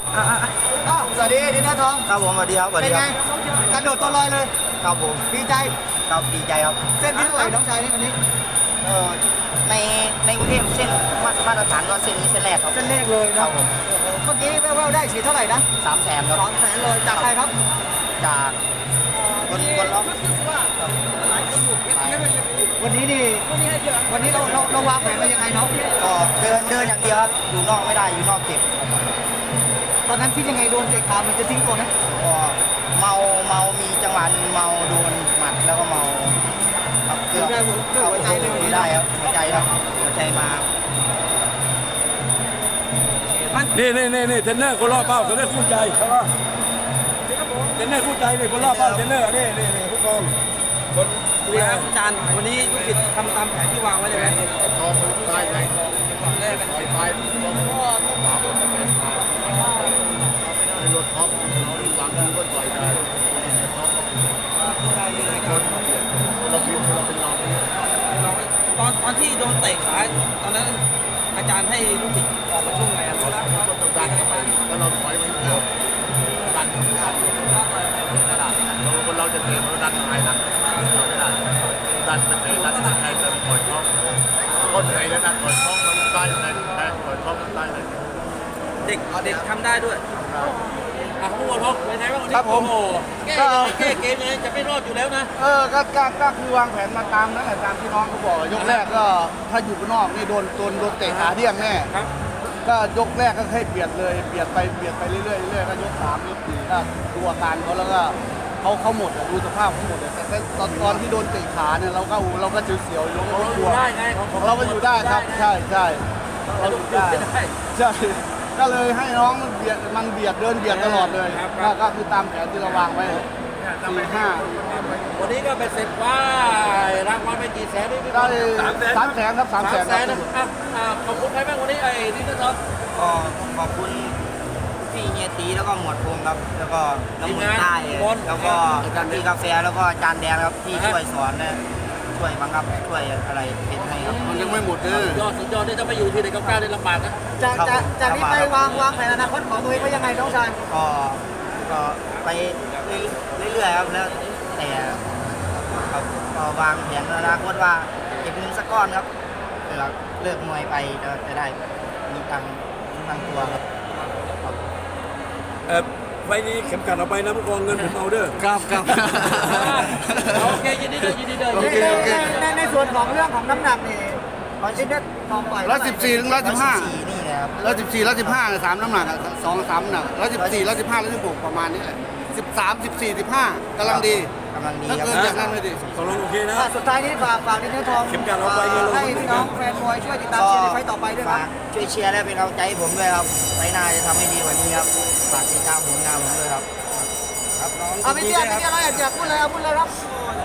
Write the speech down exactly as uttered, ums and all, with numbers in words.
อ่ะอ่ะอ่ะสวัสดีดินเนอร์ทองครับผมสวัสดีครับสวัสเป็ดีนคไงรับกระโดดตัวลอยเลยครับผมดีใจครับดีใจครับเส้นที่เท่าไหร่น้องชายนี่วันนี้เออในในกรุงเทพเส้นมามาตรฐานก็เส้นนี้เส้นแรกครับเส้นเลขเลยคนะรับผมเมื่อกี้แว่วๆได้ฉีดเท่าไหร่นะสามแสนครับสองแสนเลยจากใครครับจากคนคนล็อกวันนี้นี่วันนี้เราเราเราวางแผนมายังไงน้องก็เดินเดินอย่างเดียวครับอยู่นอกไม่ได้อยู่นอกเจ็บตอนนั้นคิดยังไงโดนเตะขามันจะทิ้งตัวไหมก็เมาเมามีจังหวะหนึงเมาโดนหมัดแล้วก็เมาครับเกือบได้หัวได้หัวใจเลยวันนี้ได้ครับหัวใจครับหัวใจมานี่นี่นี่นี่เทรนเนอร์คนรอบเป้าเทรนเนอร์คู่ใจใช่ปะเทรนเนอร์คู่ใจนี่คนรอบเป้าเทรนเนอร์นี่นี่นี่ผู้กองคนดูนี่แลครับอาจารย์วันนี้ลูกศิษย์ทำตามแผนที่วางไว้เลยไหมทองมันตายไงแรกปล่อยไปพ่อต้องหวังในรถท็อปหลังก็ต่อยได้เราพิมพ์เราเป็นเราเราตอนตอนที่โดนเตะขาตอนนั้นอาจารย์ให้ลูกศิษย์ออกมาช่วงไงครับเราก็ต้องดันเข้าไปแล้วเราถอยมันเข้าดันเข้าไปเราคนเราจะเตะเราดันหายหลังเราไม่ได้ดันมันเตะดันมันแทงเราถอยท้องก้นไหนแล้วนะถอยท้องมันใต้ไหนแทงถอยท้องมันใต้ไหนเด็กเด็กทำได้ด้วยอ่ะผู้บอลพกเป็นไงบ้างวันนี้ครับผมโอ้โหแก้ยังไงแก้เกมยังไงจะไม่รอดอยู่แล้วนะเออก็ก็ก็คือวางแผนมาตามนั้นแหละตามที่น้องเขาบอกยกแรกก็ถ้าอยู่ข้างนอกนี่โดนโดนโดนเตะขาเดี่ยงแน่ครับก็ยกแรกก็ให้เบียดเลยเบียดไปเบียดไปเรื่อยๆเรื่อยๆก็ยกสามยกสี่ก็ดูอาการเขาแล้วก็เขาเขาหมดอะดูสภาพเขาหมดอะแต่ตอนตอนที่โดนเตะขาเนี่ยเราก็เราก็เสียวๆเราก็เรากอลัยู่วได้ไงของของเราก็อยู่ได้ครับใช่ใช่เราอยู่ได้ใช่ก็เลยให้น้องมันเบียดมันเบียดเดินเบียดตลอดเลยก็ก็คือตามแผนที่เราวางไว้สี่ห้าวันนี้ก็เป็นเสร็จว่ารางวัลไปกี่แสนนี่พี่บได้อลสามแสนครับสามแสนแสนนะอ่ะอ่ะขอบคุณใครบ้างวันนี้ไอ้ดิจิทัลก็ขอบคุณพี่เฮียตีแล้วก็หมวดพงครับ แล้วก็น้องมนใต้แล้วก็พี่กาแฟแล้วก็อาจารย์แดงครับที่ช่วยสอนและช่วยบังคับช่วยอะไรเป็นให้ครับมันยังไม่หมดเลยยอดสุดยอดนี่ถ้าไปอยู่ที่ไหนก็กล้าได้ลำบากนะจากจากจากนี้ไปวางวางแผนอนาคตของตัวเองไว้ยังไงน้องชายก็ก็ไปเรื่อยๆครับแล้วแต่ครับก็วางแผนอนาคตว่าเก็บเงินสักก้อนครับเวลาเลิกมวยไปจะจะได้มีตังค์ตั้งตัวครับเออไฟนี้เข็มกัดเอาไปนะผู้กองเงินผมเอาเด้อครับครับโอเคยินดีด้วยยินดีด้วยโอเคโอเคในในในส่วนของเรื่องของน้ำหนักนี่ตอนที่เน็ตทองปล่อยร้อยสิบสี่ถึงร้อยสิบห้าสี่นี่นะครับร้อยสิบสี่ร้อยสิบห้าสามน้ำหนักอะสองสามน้ำหนักร้อยสิบสี่ร้อยสิบห้าร้อยสิบหกประมาณนี้แหละสิบสามสิบสี่สิบห้ากำลังดีกำลังดีถ้าครับเกินจากนั้นไม่ดีตกลงโอเคนะอ่ะสุดท้ายนี้ฝากฝากดินเนอร์ทองเข็มกัดเอาไปเงินลงให้พี่น้องแฟนมวยช่วยติดตามเชียร์ในไฟต์ต่อไปด้วยคฝารับกช่วยเชียร์และเป็นกำลังใจให้ผมด้วยครับไปหน้าจะทำให้ดีกว่านี้ครับฝากติดตามผลงานผมด้วยครับครับน้องเอาพี่เตี้ยพี่เตี้ยอะไรอยากพูดเลยเอาพูดเลยครับย